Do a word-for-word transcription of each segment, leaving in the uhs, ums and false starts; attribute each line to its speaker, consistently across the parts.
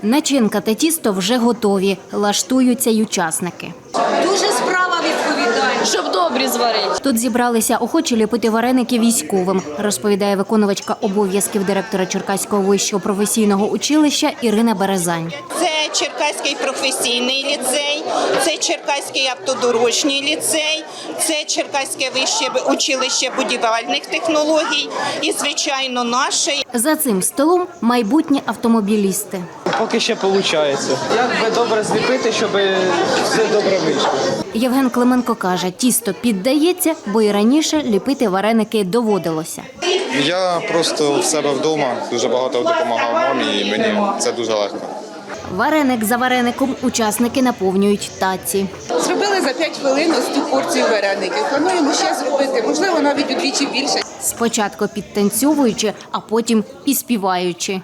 Speaker 1: Начинка та тісто вже готові. Лаштуються й учасники.
Speaker 2: Дуже справа відповідальна.
Speaker 3: Щоб добрі зварити.
Speaker 1: Тут зібралися охочі ліпити вареники військовим, розповідає виконувачка обов'язків директора Черкаського вищого професійного училища Ірина Березань.
Speaker 4: Це Черкаський професійний ліцей, це Черкаський автодорожній ліцей, це Черкаське вище училище будівельних технологій і, звичайно, наше.
Speaker 1: За цим столом майбутні автомобілісти.
Speaker 5: Поки ще виходить. Як би добре зліпити, щоб все добре вийшло.
Speaker 1: Євген Клименко каже, тісто піддається, бо і раніше ліпити вареники доводилося.
Speaker 6: Я просто в себе вдома дуже багато допомагав мамі, і мені це дуже легко.
Speaker 1: Вареник за вареником учасники наповнюють таці.
Speaker 2: Зробили за п'ять хвилин ось ту порцію вареників. Плануємо ще зробити, можливо, навіть удвічі більше.
Speaker 1: Спочатку підтанцьовуючи, а потім і співаючи.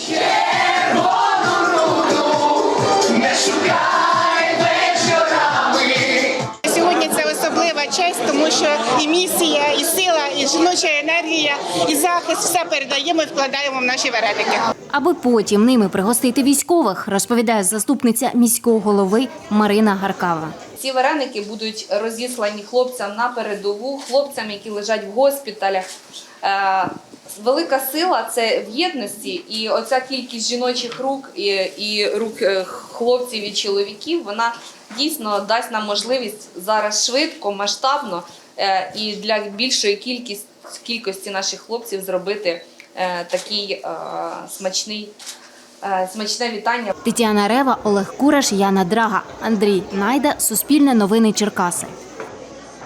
Speaker 4: Сьогодні це особлива честь, тому що і місія, і сила, і жіноча енергія, і захист – все передаємо і вкладаємо в наші вареники.
Speaker 1: Аби потім ними пригостити військових, розповідає заступниця міського голови Марина Гаркава.
Speaker 3: Ці вареники будуть розіслані хлопцям на передову, хлопцям, які лежать в госпіталях. Е, велика сила – це в єдності, і оця кількість жіночих рук і, і рук хлопців і чоловіків, вона дійсно дасть нам можливість зараз швидко, масштабно е, і для більшої кількості, кількості наших хлопців зробити е, такий е, смачний, е, смачне вітання.
Speaker 1: Тетяна Рева, Олег Кураш, Яна Драга, Андрій Найда, Суспільне новини Черкаси.